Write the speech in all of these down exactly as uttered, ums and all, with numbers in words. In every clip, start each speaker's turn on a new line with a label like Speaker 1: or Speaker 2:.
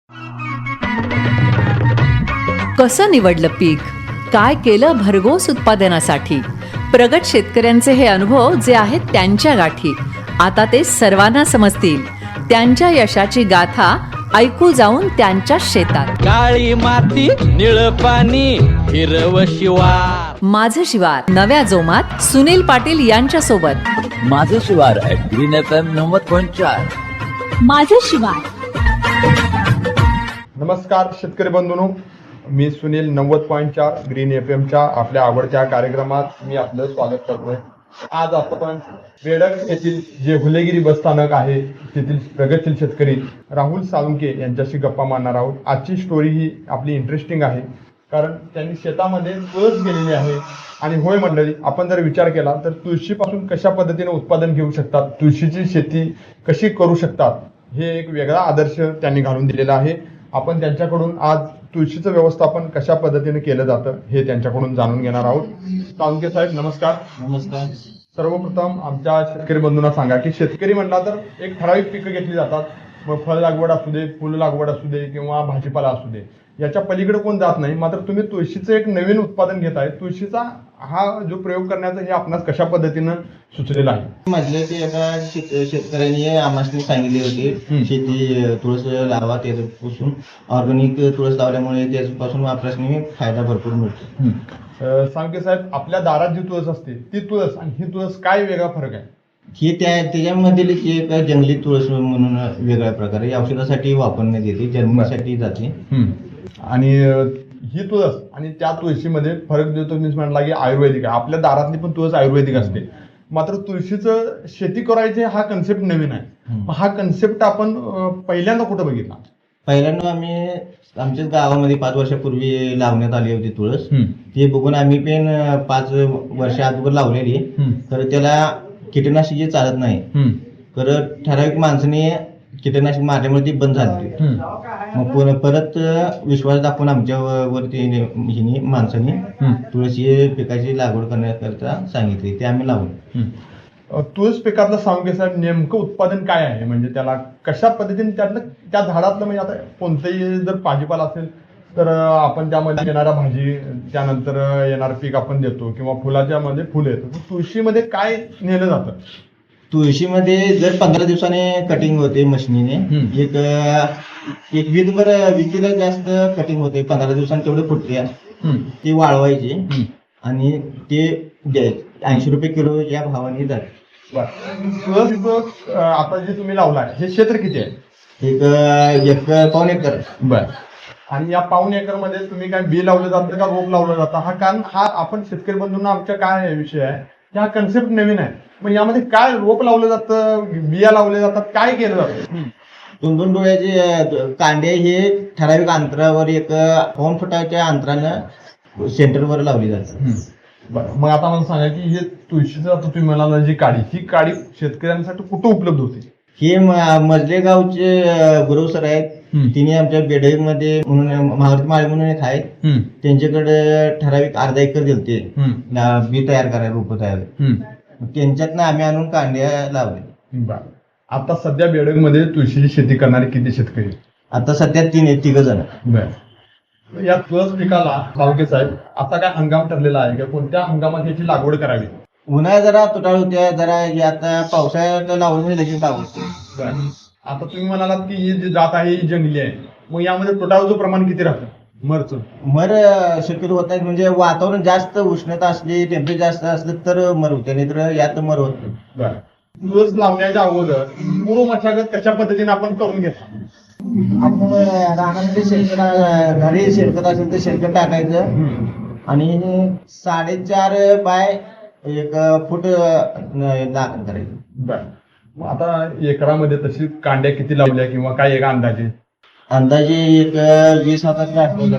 Speaker 1: कसं निवडलं पीक, काय केलं भरघोस उत्पादनासाठी. प्रगत शेतकऱ्यांचे हे अनुभव जे आहेत त्यांच्या गाठी, आता ते सर्वांना समजतील. त्यांच्या यशाची गाथा ऐकू जाऊन त्यांच्या शेतात.
Speaker 2: काळी माती निळ पाणी हिरव शिवार.
Speaker 1: माझं शिवार नव्या जोमात सुनील पाटील यांच्या सोबत.
Speaker 3: माझं शिवार ग्रीन एफ एम नव्वद पॉईंट चार.
Speaker 4: माझं शिवार.
Speaker 5: नमस्कार शेतकरी बंधूंनो, मी सुनील नव्वद पॉईंट चार ग्रीन एफ एमच्या आपल्या आवडत्या कार्यक्रमात मी आपलं स्वागत करतोय. आज आपण बेडग येथील जे हुलेगिरी बस स्थानक आहे तेथील प्रगतशील शेतकरी राहुल साळुंखे यांच्याशी गप्पा मारणार आहोत. आजची स्टोरी ही आपली इंटरेस्टिंग आहे कारण त्यांनी शेतामध्ये तुळस गेलेली आहे. आणि होय मंडळी, आपण जर विचार केला तर तुळशीपासून कशा पद्धतीने उत्पादन घेऊ शकतात, तुळशीची शेती कशी करू शकतात, हे एक वेगळा आदर्श त्यांनी घालून दिलेला आहे. आपण त्यांच्याकडून आज तुळशीचं व्यवस्थापन कशा पद्धतीने केलं जातं हे त्यांच्याकडून जाणून घेणार आहोत. साळुंखे साहेब नमस्कार.
Speaker 3: नमस्कार.
Speaker 5: सर्वप्रथम आमच्या शेतकरी बंधूंना सांगा की शेतकरी म्हणला तर एक ठराविक पिकं घेतली जातात. मग फळ लागवड असू दे, फुल लागवड असू दे किंवा भाजीपाला असू दे, याच्या पलीकडे कोण जात नाही. मात्र तुम्ही तुळशीचं एक नवीन उत्पादन घेत आहे. तुळशीचा हा जो प्रयोग करण्याचा हे आपणास कशा पद्धतीनं सुचलेला आहे?
Speaker 6: म्हटलं की एका शेत- शेतकऱ्यांनी आम्हाला सांगितली होती शेती तुळस लावा, त्याच्यापासून ऑर्गॅनिक तुळस लावल्यामुळे त्याच्यापासून वापरासनी फायदा भरपूर मिळतो.
Speaker 5: अं, साळुंखे साहेब, आपल्या दारात जी तुळस असते ती तुळस आणि ही तुळस काय वेगळा फरक आहे?
Speaker 6: ही त्या त्याच्यामधील एक जंगली तुळस म्हणून वेगळ्या प्रकारे औषधासाठी वापरण्यात येते, जन्मासाठी जाते.
Speaker 5: आणि अं, ही तुळस आणि त्या तुळशीमध्ये फरक जो तुम्ही म्हटला की आयुर्वेदिक आहे. आपल्या दारातली पण तुळस आयुर्वेदिक असते, मात्र तुळशीचं शेती करायचे हा कन्सेप्ट नवीन आहे. हा कन्सेप्ट आपण अं, पहिल्यांदा कुठं बघितला?
Speaker 6: पहिल्यांदा आम्ही आमच्याच गावामध्ये पाच वर्षापूर्वी लावण्यात आली होती तुळस. ते बघून आम्ही पण पाच वर्ष अगोदर लावलेली, तर त्याला कीटकनाशके चालत नाही. तर ठराविक माणसाने कीटकनाशक मारल्यामुळे ती बंद झाली. मग पुन्हा परत विश्वास दाखवून आमच्या वरती हिने माणसाने तुळशी पिकाची लागवड करण्याकरता सांगितली, ते आम्ही लावलो.
Speaker 5: अं, तुळस पिकातलं साळुंखे साहेब नेमकं उत्पादन काय आहे? म्हणजे त्याला कशा पद्धतीने त्यातलं त्या झाडातलं, म्हणजे आता कोणतंही जर भाजीपाला असेल तर अं, आपण त्यामध्ये येणारा भाजी, त्यानंतर येणारं पीक आपण देतो किंवा फुलाच्या मध्ये फुलं येतं. तर तुळशीमध्ये काय नेलं जातं?
Speaker 6: तुळशीमध्ये जर पंधरा दिवसाने कटिंग होते मशिनीने, एक एक वीकभर विकीला जास्त कटिंग होते, पंधरा दिवसांनी तेवढे फुटते. ते वाळवायचे आणि ते द्यायचे. ऐंशी रुपये किलो या भावाने जाते.
Speaker 5: तुळस अं, आता जे तुम्ही लावलाय हे क्षेत्र किती आहे?
Speaker 6: एक एक पाऊण एकर.
Speaker 5: बर. आणि या पाऊण एकर मध्ये तुम्ही काय बी लावलं जातं का रोप लावलं जातं? हा कारण हा आपण शेतकरी बंधूंना आमच्या काय विषय आहे की हा कन्सेप्ट नवीन आहे. मग यामध्ये काय रोप लावलं जातं, बिया लावल्या जातात, काय केलं जातं?
Speaker 6: दोन दोन डोळ्याचे कांडे हे ठराविक अंतरावर एक पाऊण फुटाच्या अंतरानं सेंटरवर लावली जातात.
Speaker 5: बरं, मग आता मला सांगा की हे तुळशीचं आता तुम्ही म्हणाला जी काडी, ही काडी शेतकऱ्यांसाठी कुठं उपलब्ध होते?
Speaker 6: हे मजले गावचे गुरु सर आहेत, तिने आमच्या बेडग मध्ये म्हणून महावरती माळी म्हणून एक आहेत, त्यांच्याकडे ठराविक अर्धा एकर दिलते बी तयार करायला, रोप तयार. त्यांच्यातनं आम्ही आणून कांड्या लावले.
Speaker 5: बरं. आता सध्या बेडग मध्ये तुळशीची शेती करणारे किती शेतकरी?
Speaker 6: आता सध्या तीन आहेत, तिघ जण.
Speaker 5: बरं. या तुळस पिकाला साळुंखे साहेब आता काय हंगाम ठरलेला आहे का? कोणत्या हंगामात याची लागवड करावी?
Speaker 6: उन्हाळ्यात जरा तुटाळ होत्या, जरा आता पावसाळ्यात लावून लगेच लावतो.
Speaker 5: आता तुम्ही म्हणालात की ही जी जात आहे ही जंगली आहे, मग यामध्ये तुटाळाचं प्रमाण किती राहतं? मरचं
Speaker 6: मर शक्यतो होत नाही, म्हणजे वातावरण जास्त उष्णता असली, टेम्परेचर जास्त असलं तर मर होते, नाही तर यात मर होत नाही.
Speaker 5: बरं. तुळस लावण्याच्या अगोदर पूर्व मशागत कशा पद्धतीने आपण करून घेतो?
Speaker 6: आपण रानामध्ये शेणखत, घरी शेणखत असेल तर शेणखत टाकायचं आणि साडेचार बाय एक फूट लागण करायचं.
Speaker 5: बरं. मग आता एकरामध्ये तशी कांड्या किती लावल्या किंवा काय एक अंदाजे?
Speaker 6: अंदाजे एक वीस हाताचे असतो.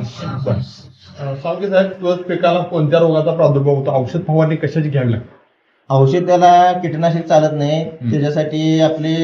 Speaker 5: साळुंखे साहेब, तुळस पिकाला कोणत्या रोगाचा प्रादुर्भाव होतो? औषध फवारणी कशाची घ्यावी लागते?
Speaker 6: औषध त्याला कीटकनाशक चालत नाही, त्याच्यासाठी आपली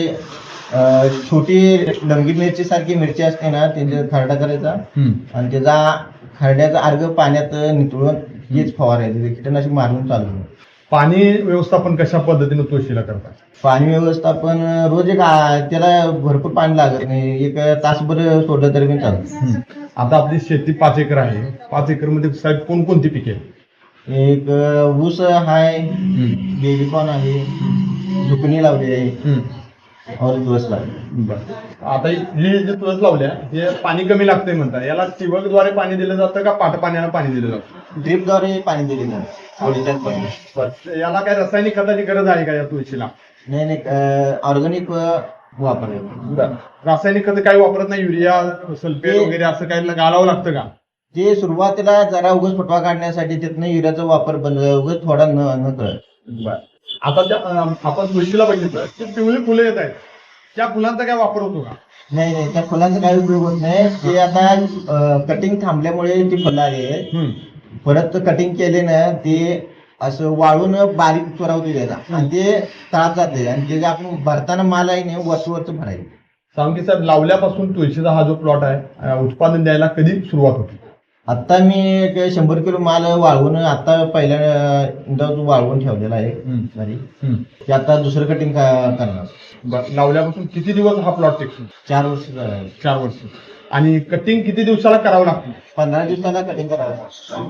Speaker 6: छोटी लंगी मिरची सारखी मिरची असते ना, त्याचा खरडा करायचा आणि त्याचा खरड्याचा अर्ग पाण्यात नितळून हेच फवारायचं, कीटकनाशक मारून चालू.
Speaker 5: पाणी व्यवस्थापन कशा पद्धतीने तुळशीला करतात?
Speaker 6: पाणी व्यवस्थापन रोज एक आ- त्याला भरपूर पाणी लागत नाही, एक तासभर सोडलं तरी पण चालतं.
Speaker 5: आता आपली शेती पाच एकर आहे. पाच एकर मध्ये साहेब कोणकोणती पिके आहेत?
Speaker 6: एक ऊस आहे, बेबीकॉर्न आहे, झुकणी लावली आहे और दिवस लागले.
Speaker 5: बरं. आता हे जे तुळस लावल्या हे पाणी कमी लागतंय म्हणतात, याला ठिबकद्वारे पाणी दिलं जातं का पाट पाण्यानं पाणी दिलं जातं?
Speaker 6: ड्रीपद्वारे पाणी दिलेलं आहे. आवडीच्याच पाणी.
Speaker 5: बरं. याला काय रासायनिक खताची गरज आहे का या तुळशीला?
Speaker 6: नाही नाही ऑर्गॅनिक वापरायचं.
Speaker 5: रासायनिक खत काही वापरत नाही, युरिया सल्फेट
Speaker 6: ते-
Speaker 5: वगैरे असं काही घालावं लागतं का?
Speaker 6: ते सुरुवातीला जरा उगाच फुटवा काढण्यासाठी त्यातनं युरियाचा वापर बंद, उगाच थोडा न न कळत.
Speaker 5: बरं. आता त्या अं, आपण तुळशीला बघितलं की पिवळी फुलं येत आहेत, त्या फुलांचा काय वापर होतो का?
Speaker 6: नाही नाही त्या फुलांचा काही उपयोग होत नाही. ते आता कटिंग थांबल्यामुळे ती फुलं आली आहेत.
Speaker 5: हम्म.
Speaker 6: परत कटिंग केले ना ते असं वाळून बारीक चोरा होते त्याचा आणि ते तळात जाते आणि ते जे आपण भरताना माल आहे ना वरच वरच भरायचं.
Speaker 5: सांगकी साहेब, लावल्यापासून तुळशीचा हा जो प्लॉट आहे अं, उत्पादन द्यायला कधी सुरुवात होती?
Speaker 6: आता मी एक शंभर किलो माल वाळवून आता पहिल्या अं, वाळवून ठेवलेला आहे घरी. ते आता दुसरं कटिंग करणार.
Speaker 5: बरं. लावल्यापासून किती दिवस हा प्लॉट टिकतो?
Speaker 6: चार वर्ष झाले.
Speaker 5: चार वर्ष. आणि कटिंग किती दिवसाला करावं लागतं?
Speaker 6: पंधरा दिवसाला कटिंग करावं.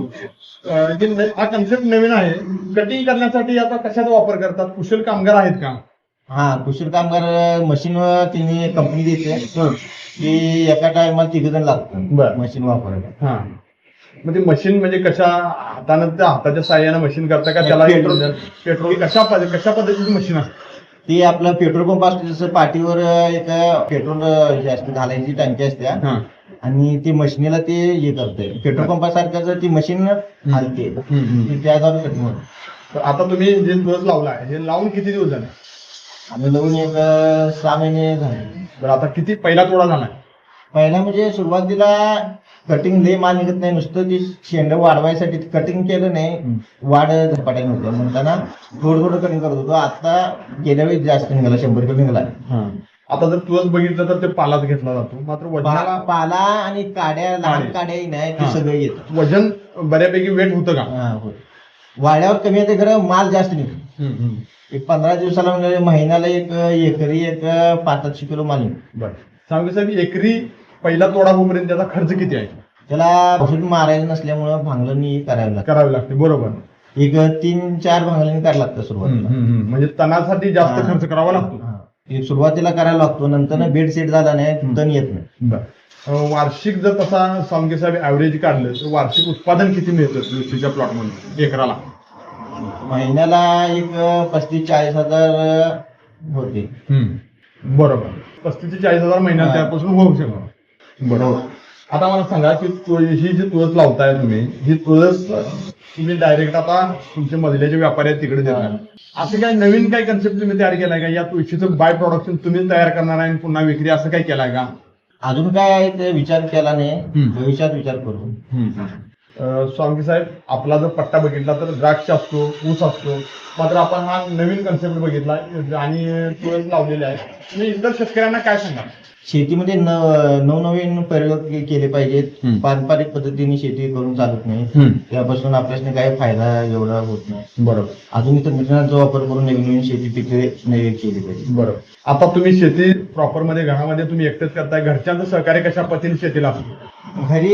Speaker 5: अं, जे न- हा कन्सेप्ट नवीन आहे. कटिंग करण्यासाठी आता कशाचा वापर करतात? कुशल कामगार आहेत का?
Speaker 6: हा कुशल कामगार मशीन तिने कंपनी देते की एका टायमाला तिघ जण लागतात
Speaker 5: बरं.
Speaker 6: मशीन वापरायला.
Speaker 5: हा. मग ते मशीन म्हणजे कशा हातानं त्या हाताच्या साह्यानं मशीन करता का त्याला
Speaker 6: पेट्रोल.
Speaker 5: पेट्रोल कशा पद्धती कशा पद्धतीची मशीन असते?
Speaker 6: ती आपलं पेट्रोल पंप असतो जसं पाठीवर एक पेट्रोल हे असते घालायची टंकी असते
Speaker 5: हा.
Speaker 6: आणि ती मशीनीला ते हे करते पेट्रोल पंपासारखं ती मशीन हलते ती त्याद्वारे कटिंग होते.
Speaker 5: तर आता तुम्ही जे तुळस लावला आहे हे लावून किती दिवस झाले?
Speaker 6: आम्ही लावून एक सहा महिने झाले.
Speaker 5: बरं. आता किती पहिला तोडा झालाय?
Speaker 6: पहिला म्हणजे सुरुवातीला कटिंग लय माल निघत नाही, नुसतं ती शेंड वाढवायसाठी कटिंग केलं नाही, वाढ झपाट्याने होते म्हणताना थोडं थोडं कटिंग करत होतो. आता गेल्या वेळी जास्त निघाला, शंभर किलो निघाला.
Speaker 5: आता जर तुळस बघितलं तर ते पालाच घेतला जातो, मात्र वजनाला
Speaker 6: पा- पाला आणि काड्या लहान
Speaker 5: काड्या.
Speaker 6: काड्याही नाही ते
Speaker 5: हा.
Speaker 6: सगळं येतं.
Speaker 5: वजन बऱ्यापैकी वेट होतं का?
Speaker 6: हा, होय. वाड्यावर कमी येते खरं माल जास्त निघतो. एक पंधरा दिवसाला म्हणजे महिन्याला एक एकरी एक पाच सातशे किलो माल निघतो.
Speaker 5: बरं. सांगू साहेब, एकरी पहिला तोडा होईपर्यंत त्याचा खर्च किती आहे?
Speaker 6: त्याला औषध मारायचं नसल्यामुळं भांगलणी करावी लागते.
Speaker 5: करावे लागते. बरोबर.
Speaker 6: एक तीन चार भांगलणी करायला लागतं सुरुवातीला.
Speaker 5: म्हणजे तणासाठी जास्त
Speaker 6: हा.
Speaker 5: खर्च करावा लागतो.
Speaker 6: हा. एक सुरुवातीला करायला लागतो, नंतर बेड सेट झाला नाही तण येत नाही.
Speaker 5: बरं. अं, वार्षिक जर तसा सांगे साहेब ऍव्हरेज काढलं तर वार्षिक उत्पादन किती मिळतं तुळशीच्या प्लॉट मध्ये एकराला?
Speaker 6: महिन्याला एक पस्तीस चाळीस हजार होते.
Speaker 5: बरोबर. पस्तीस ते चाळीस हजार महिन्यात
Speaker 6: हा.
Speaker 5: त्यापासून होऊ शकतो. बरोबर. आता मला सांगा की तुळ- ही जी तुळस लावताय तुम्ही, ही तुळस तुम्ही डायरेक्ट आता तुमचे मधल्याचे व्यापारी आहेत तिकडे देणार, असं काय नवीन काय कन्सेप्ट तुम्ही तयार केलाय का? या तुळशीचं बाय प्रोडक्शन तुम्ही तयार करणार आहे आणि पुन्हा विक्री असं काय केलाय का?
Speaker 6: अजून काय आहे ते विचार केला नाही, भविष्यात विचार करू.
Speaker 5: अं, स्वामी साहेब, आपला जर पट्टा बघितला तर द्राक्ष असतो, ऊस असतो, मात्र आपण हा नवीन कन्सेप्ट बघितला आणि तुळस लावलेले आहे. तुम्ही इतर शेतकऱ्यांना काय सांगा?
Speaker 6: शेतीमध्ये न नवनवीन प्रयोग के- केले पाहिजेत. पारंपरिक पद्धतीने शेती करून चालत नाही, त्यापासून आपल्याला काही फायदा एवढा होत नाही.
Speaker 5: बरोबर.
Speaker 6: आधुनिक तंत्रज्ञानाचा वापर करून नवीन नवीन शेती पिके नवी केली पाहिजे.
Speaker 5: बरोबर. आता तुम्ही शेती प्रॉपर मध्ये घरामध्ये तुम्ही एकटेच करताय, घरच्यांचं सहकार्य कशा पद्धतीने शेतीला असतो?
Speaker 6: घरी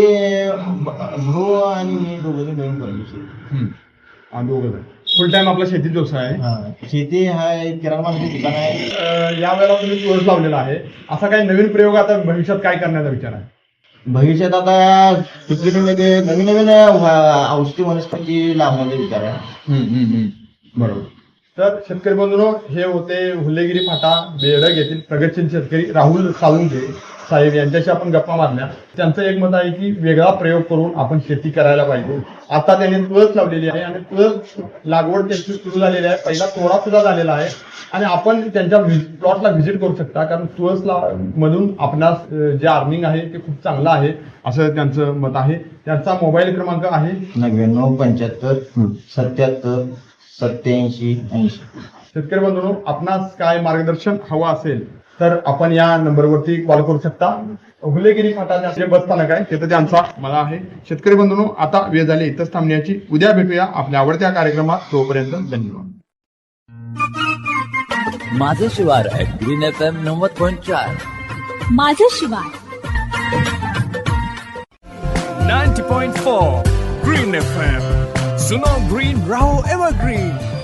Speaker 6: भाऊ आणि मी दोघं नवीन करतो शेती.
Speaker 5: आणि दोघं फुल टाइम आपला शेतीत व्यवसाय आहे.
Speaker 6: हा, शेती हा एक किराणा मालाचं दुकान आहे.
Speaker 5: अं, या वेळेला तुम्ही तुळस लावलेला आहे, असा काही नवीन प्रयोग आता भविष्यात काय करण्याचा विचार आहे?
Speaker 6: भविष्यात आता पिकिटीमध्ये नवीन नवीन अ, औषधी वनस्पती लावण्याचा विचार आहे.
Speaker 5: बरोबर. तर शेतकरी बंधूंनो, हे होते हुल्लेगिरी फाटा बेडग येथील प्रगतशील शेतकरी राहुल साळुंखे साहेब यांच्याशी आपण गप्पा मारल्या. त्यांचं एक मत आहे की वेगळा प्रयोग करून आपण शेती करायला पाहिजे. आता त्यांनी तुळस लावलेली आहे आणि तुळस लागवड त्यांची सुरू झालेली आहे, पहिला तोडा सुद्धा झालेला आहे आणि आपण त्यांच्या प्लॉटला व्हिजिट करू शकता, कारण तुळसला मधून आपणास अं, जे अर्निंग आहे ते खूप चांगलं आहे असं त्यांचं मत आहे. त्यांचा मोबाईल क्रमांक आहे
Speaker 6: नव्याण्णव पंच्याहत्तर सत्याहत्तर सत्याऐंशी ऐंशी.
Speaker 5: शेतकरी बंधूंनो, आपणास काय मार्गदर्शन हवं असेल तर आपण या नंबरवरती कॉल करू शकता. हुलेगिरी फाटा जे बस स्थानक आहे तिथं त्यांचा मला आहे. शेतकरी बंधूंनो, आता वेळ झाली इथंच थांबण्याची. उद्या भेटूया आपल्या आवडत्या कार्यक्रमात. तोपर्यंत धन्यवाद.
Speaker 3: माझं शिवार ॲट ग्रीन एफ एम नव्वद पॉईंट चार.
Speaker 4: माझं शिवार.
Speaker 7: ninety point four Green F M. Suno Green Raho Evergreen.